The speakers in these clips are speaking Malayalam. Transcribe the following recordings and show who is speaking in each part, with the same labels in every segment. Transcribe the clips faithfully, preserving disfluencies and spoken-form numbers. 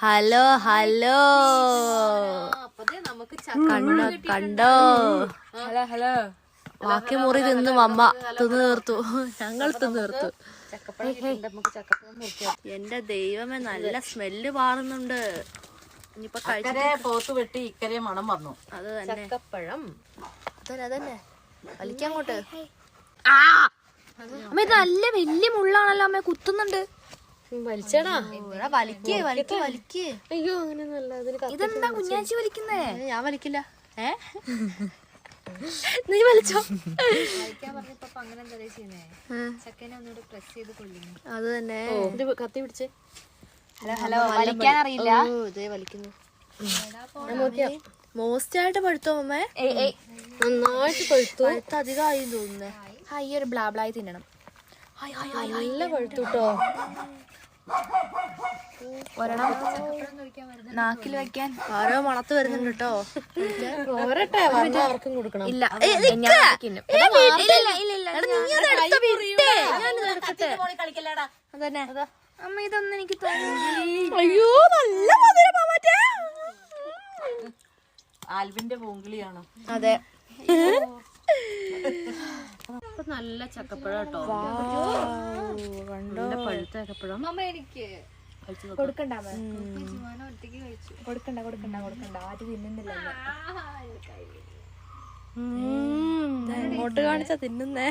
Speaker 1: ഹലോ ഹലോ കണ്ടോ കണ്ടോ
Speaker 2: ഹലോ ഹലോ
Speaker 1: ബാക്കി മുറി തിന്നും അമ്മ തിന്നു തീർത്തു. ഞങ്ങൾ തിന്നു തീർത്തു. എന്റെ ദൈവമേ, നല്ല സ്മെല്ല് പാറുന്നുണ്ട്. ഇനിയിപ്പൊ
Speaker 2: പോത്ത് വെട്ടി ഇക്കരെ മണം വന്നു.
Speaker 1: അത് തന്നെ
Speaker 3: ചക്കപ്പഴം.
Speaker 1: അതന്നെ അതന്നെ വലിക്കങ്ങോട്ട്.
Speaker 3: അമ്മ ഇത് നല്ല വലിയ മുള്ളാണല്ലോ അമ്മ, കുത്തുന്നുണ്ട്. വലിച്ചടാ,
Speaker 1: വലിക്കേ വലിക്കേ വലിക്കേ.
Speaker 3: അയ്യോ അങ്ങനെയൊന്നുമല്ല. ഇതെന്താ കുഞ്ഞാച്ചി വലിക്കുന്നേ?
Speaker 1: ഞാൻ വലിക്കില്ല. ഏ
Speaker 3: നീ വലിച്ചോ.
Speaker 1: അത് തന്നെ.
Speaker 3: കത്തി പിടിച്ചേ.
Speaker 1: ഹലോ ഹലോ വലിക്കാൻ അറിയില്ല. ഇതേ വലിക്കുന്നു. മോസ്റ്റ് ആയിട്ട് പഴുത്തോ അമ്മേ?
Speaker 3: നന്നായിട്ട് പഴുത്തു.
Speaker 1: പഴുത്ത അധികമായി തോന്നുന്നേ.
Speaker 3: ഈ ഒരു ബ്ലാബ്ലായി തിന്നണം. നല്ല പഴുത്തു കേട്ടോ. ഒരെണ്ണം നാക്കിൽ വെക്കാൻ
Speaker 1: ഓരോ മണത്ത് വരുന്നുണ്ട് കേട്ടോ.
Speaker 3: പോരട്ടെ, അവർക്കും കൊടുക്കണം.
Speaker 1: ഇല്ല അതന്നെ.
Speaker 3: അമ്മ ഇതൊന്നും എനിക്ക് തോന്നുന്നു.
Speaker 1: അയ്യോ നല്ല മധുരമാ മറ്റേ.
Speaker 2: ആൽവിന്റെ പൂങ്കിളിയാണ്.
Speaker 1: അതെ,
Speaker 3: നല്ല ചക്കപ്പഴം കേട്ടോ.
Speaker 1: കണ്ടോ
Speaker 3: പഴുത്ത ചക്കപ്പഴം. അമ്മ എനിക്ക് കൊടുക്കണ്ട കൊടുക്കണ്ട കൊടുക്കണ്ട കൊടുക്കണ്ട ആദ്യം തിന്നുന്നില്ല.
Speaker 1: ഇങ്ങോട്ട് കാണിച്ചാ തിന്നുന്നേ.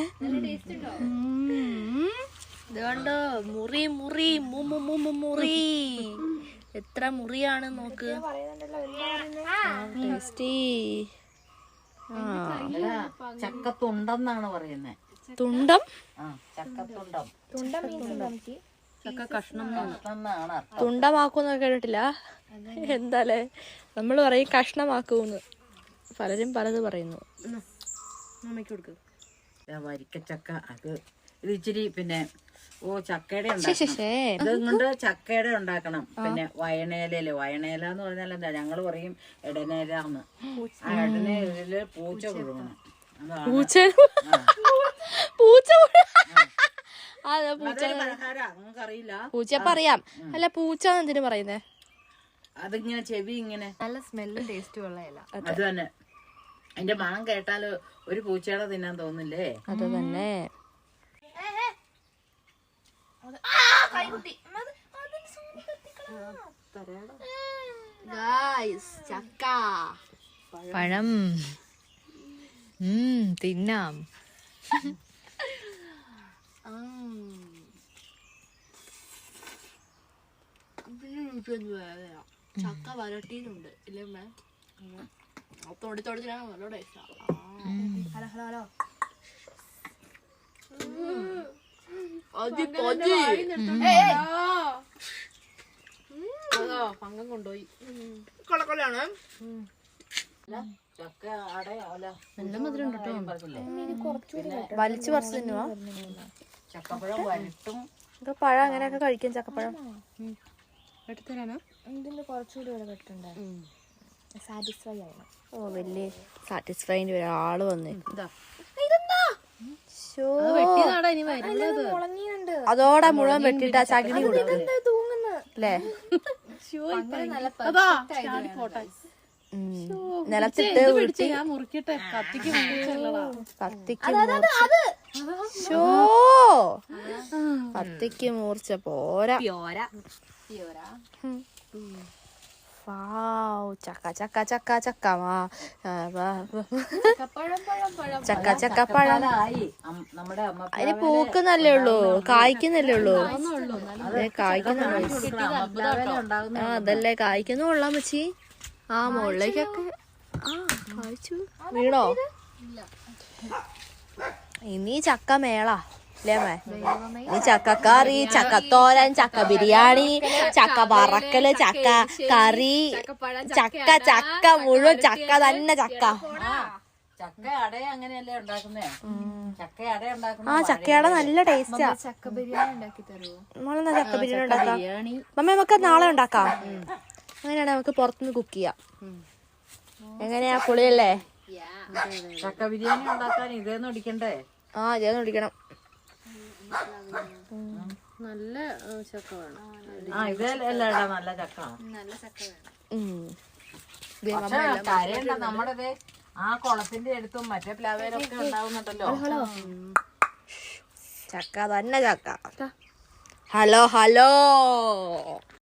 Speaker 1: ഇത് കണ്ടോ, മുറി മുറി മുറി. എത്ര മുറിയാണ് നോക്ക്. ടേസ്റ്റി.
Speaker 2: ചക്കത്തുണ്ടെന്നാണ് പറയുന്നത്.
Speaker 1: തുണ്ടം?
Speaker 2: ചക്കത്തുണ്ടം.
Speaker 3: ചക്ക കഷ്ണം
Speaker 2: എന്നാണ്.
Speaker 1: തുണ്ടമാക്കൂന്നൊക്കെ കേട്ടിട്ടില്ല. എന്താലേ നമ്മൾ പറയും കഷ്ണമാക്കൂന്ന്. പലരും പലത് പറയുന്നു.
Speaker 2: വരിക്കച്ചക്ക അത് ഇത് ഇച്ചിരി പിന്നെ ഓ ചക്കയുടെ ഇതുകൊണ്ട് ചക്കയുടെ ഉണ്ടാക്കണം. പിന്നെ വയണേലയില് വയണേല എന്ന് പറഞ്ഞാൽ എന്താ, ഞങ്ങള് പറയും ഇടനേലാന്ന്. ആ ഇടനേലില് പൂച്ച കൊടുക്കണം.
Speaker 1: പൂച്ച പൂച്ച അതെ പൂച്ച
Speaker 2: അറിയില്ല.
Speaker 1: പൂച്ചപ്പ അറിയാം. അല്ല പൂച്ച എന്തിനു പറയുന്നേ?
Speaker 2: അതിങ്ങനെ ചെവി ഇങ്ങനെ
Speaker 3: നല്ല സ്മെല്ലും ടേസ്റ്റും ഉള്ള ഇല.
Speaker 2: അത് തന്നെ. അതിന്റെ മണം കേട്ടാല് ഒരു പൂച്ചയുടെ തിന്നാൻ തോന്നില്ലേ?
Speaker 1: അത് തന്നെ.
Speaker 3: ചക്ക പഴം തിന്നാം.
Speaker 1: ചക്ക വരട്ടിയിട്ടുണ്ട് ഇല്ലേ അമ്മേ? തൊടി തൊടി നല്ല ടേസ്റ്റാ.
Speaker 3: ഹലോ ഹലോ ഹലോ
Speaker 1: പങ്കം കൊണ്ടുപോയി. കൊളക്കൊള്ളയാണ്.
Speaker 2: ചക്ക അടയാല
Speaker 1: നല്ല മധുരം വലിച്ചു പറിച്ചു തിന്നുവാ.
Speaker 2: ചക്കപ്പഴം വരട്ടും.
Speaker 1: പഴം അങ്ങനെയൊക്കെ കഴിക്കും. ചക്കപ്പഴം
Speaker 3: എടുത്തരാനോ? ഇതിന്റെ കുറച്ചുകൂടി വില കിട്ടുന്നുണ്ട്. സാറ്റിസ്ഫൈ ആയിരുന്നു.
Speaker 1: ഓ വലിയ സാറ്റിസ്ഫൈൻ്റെ ഒരാള് വന്നേ. അതോടെ മുഴുവൻ വെട്ടിട്ട് ആ ചകിരി കൊടുക്കും അല്ലേ? നിലത്തിട്ട് ഉരുട്ടി കത്തിക്ക് കത്തിക്ക് മൂർച്ച പോരാ. ചക്ക ചക്ക ചക്ക ചക്ക ചക്ക ചക്ക പഴം. അതിന് പൂക്കുന്നല്ലേ ഉള്ളൂ, കായ്ക്കുന്നല്ലേ ഉള്ളൂ. അതെ കായ്ക്കുന്നുള്ളൂ. ആ അതല്ലേ കായ്ക്കുന്നു. കൊള്ളാൻ വെച്ചി. ആ മുകളിലേക്കൊക്കെ ആ കായ്ച്ചു വീണോ? ഇനി ചക്ക മേള അല്ലേ അമ്മേ? ഇനി ചക്കക്കറി, ചക്കത്തോരൻ, ചക്ക ബിരിയാണി, ചക്ക വറക്കല്, ചക്ക കറി, ചക്ക ചക്ക മുഴുവൻ ചക്ക തന്നെ. ചക്ക
Speaker 2: ചക്ക അട അങ്ങനെയല്ലേ ഉണ്ടാക്കുന്നേ? ചക്ക അട ഉണ്ടാക്കുന്ന.
Speaker 1: ആ ചക്കയട നല്ല ടേസ്റ്റാ.
Speaker 3: ചക്ക ബിരിയാണി ഉണ്ടാക്കി തരുമോ?
Speaker 1: നമ്മളെന്നാ ചക്ക ബിരിയാണി ഉണ്ടാക്കാം. മമ്മ നമുക്ക് നാളെ ഉണ്ടാക്കാം. അങ്ങനെയാണെങ്കിൽ നമുക്ക് പുറത്തുനിന്ന് കുക്ക് ചെയ്യാം. എങ്ങനെയാ? പൊളിയല്ലേ?
Speaker 2: ചക്ക ബിരിയാണി ഉണ്ടാക്കാൻ ഇതേന്ന് ഒടിക്കണ്ടേ?
Speaker 1: ആ ഇതേന്ന് ഒടിക്കണം.
Speaker 4: നല്ല ചക്ക വേണം.
Speaker 2: ആ ഇതല്ലടാ നല്ല ചക്ക.
Speaker 4: നല്ല ചക്ക വേണം.
Speaker 1: ഉം.
Speaker 2: പക്ഷെ കരയണ്ട, നമ്മുടെ ആ കുളത്തിന്റെ അടുത്തും മറ്റേ പ്ലാവേലൊക്കെ ഉണ്ടാവുന്നുണ്ടല്ലോ
Speaker 1: ചക്ക തന്നെ ചക്ക. Hello hello